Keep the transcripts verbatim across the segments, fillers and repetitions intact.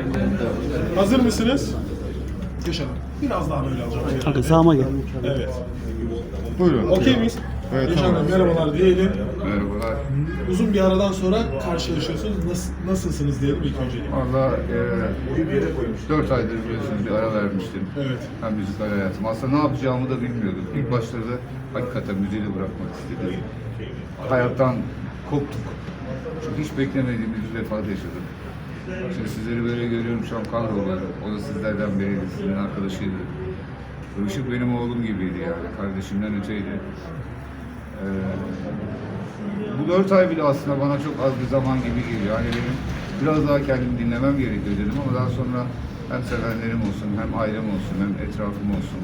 Hazır mısınız? Yaşadım. Biraz daha böyle alacağım. Hadi sağıma gel. Evet. Buyurun. Okey miyiz? Evet, Yaşadım. tamam. Merhabalar diyelim. Merhabalar. Uzun bir aradan sonra karşılaşıyorsunuz. Nasıl, nasılsınız diyelim ilk önce. Valla e, dört aydır biliyorsunuz bir ara vermiştim. Evet. Hem müzikal hayatım. Aslında ne yapacağımı da bilmiyordum. İlk başlarda hakikaten müziği de bırakmak istedim. Hayattan koptuk. Çünkü hiç beklemediğimiz bir vefat yaşadım. Şimdi sizleri böyle görüyorum, şu an kahroluyorum. O da sizlerden biriydi, sizin arkadaşıydı. Işık benim oğlum gibiydi yani, kardeşimden öteydi. Ee, bu dört ay bile aslında bana çok az bir zaman gibi geliyor. Yani benim biraz daha kendimi dinlemem gerekiyor dedim ama daha sonra hem sevenlerim olsun, hem ailem olsun, hem etrafım olsun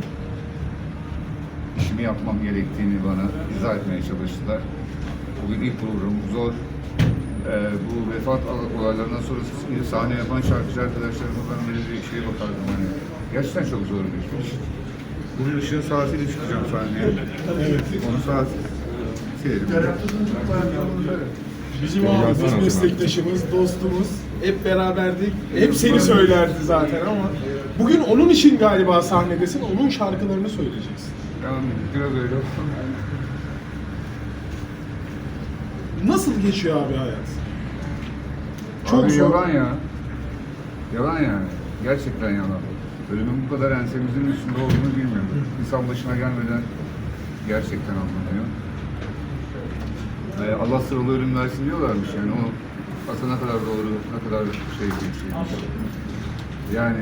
işimi yapmam gerektiğini bana izah etmeye çalıştılar. Bugün ilk programım zor. Ee, bu vefat olaylarından sonra sahne yapan şarkıcı arkadaşlarıma ben böyle bir şeye bakardım hani. Gerçekten çok zor bir iş. Bunun ışığın saatiyle çıkacağım sahneye. Evet. Onu saat silelim. Bizim abi, biz meslektaşımız, dostumuz. Hep beraberdik. Hep seni söylerdi zaten ama bugün onun için galiba sahnedesin. Onun şarkılarını söyleyeceksin. Tamam, biraz öyle olsun. Nasıl geçiyor abi hayat? Çok Abi zor. yalan ya. Yalan yani. Gerçekten yalan. Ölümün bu kadar ensemizin üstünde olduğunu bilmiyordum. İnsan başına gelmeden gerçekten anlamıyor. Ee, Allah sıralı ölüm versin diyorlarmış yani. O aslında ne kadar doğru, ne kadar şey bir şeymiş. Yani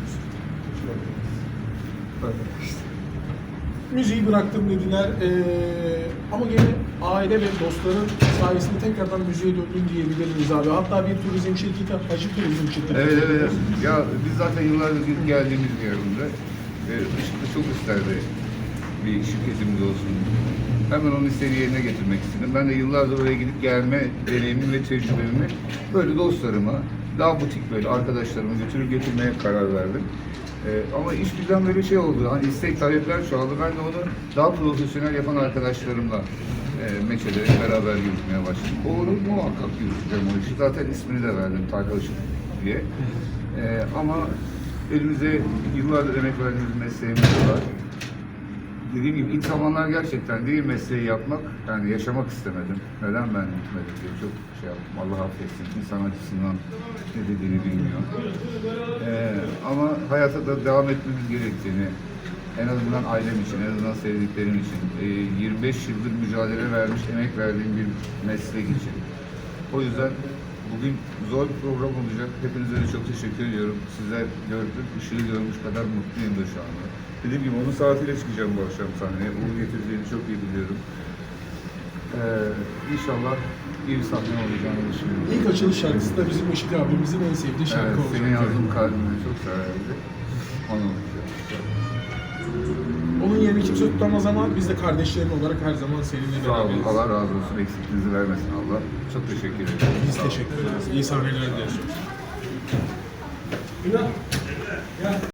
işte. Müziği bıraktım dediler ee, ama gene aile ve dostların sayesinde tekrardan müziğe döndüm diyebiliriz abi. Hatta bir turizm şirketi, Hacı Turizm Şirketi. Evet evet. evet. Ya biz zaten yıllardır gidip geldiğimiz bir yerinde. Ve Işık'ta çok isterdi bir şirketimiz olsun. Hemen onun istediği yerine getirmek istedim. Ben de yıllardır oraya gidip gelme deneyimimi ve tecrübemi böyle dostlarıma, daha butik böyle arkadaşlarıma götürüp getirmeye karar verdim. Ee, ama iş birden böyle şey oldu, hani istek talepler çoğaldı. Ben de onu daha profesyonel yapan arkadaşlarımla e, meçede beraber yürütmeye başladım. O onu muhakkak yürüteceğim o işi. Zaten ismini de verdim, Tarkan Işık diye. Ee, ama elimize yıllardır emek verdiğimiz mesleğimiz var. Dediğim gibi ilk zamanlar gerçekten değil mesleği yapmak, yani yaşamak istemedim. Neden ben gitmedim diye çok şey yaptım. Allah affetsin. İnsan açısından ne dediğini bilmiyor. Ee, ama hayata da devam etmemiz gerektiğini, en azından ailem için, en azından sevdiklerim için, e, yirmi beş yıldır mücadele vermiş, emek verdiğim bir meslek için. O yüzden bugün zor bir program olacak. Hepinize de çok teşekkür ediyorum. Sizler gördük, ışığı görmüş kadar mutluyum da şu anda. Dediğim gibi onun saatiyle çıkacağım bu akşam sahneye. Uğur getireceğini çok iyi biliyorum. Ee, inşallah iyi bir sahne olacağını düşünüyorum. İlk açılış şarkısı da bizim Işık abimizin en sevdiği şarkı Evet, olacak. senin yazdığın kalbimi çok severdi. Onu olacak. Onun yerini kimse tutamaz ama biz de kardeşlerin olarak her zaman seninle Sağ olun. beraberiz. Allah razı olsun. Eksikliğinizi vermesin Allah. Çok teşekkür ederim. Biz teşekkür ederiz. İyi sahneler diliyoruz.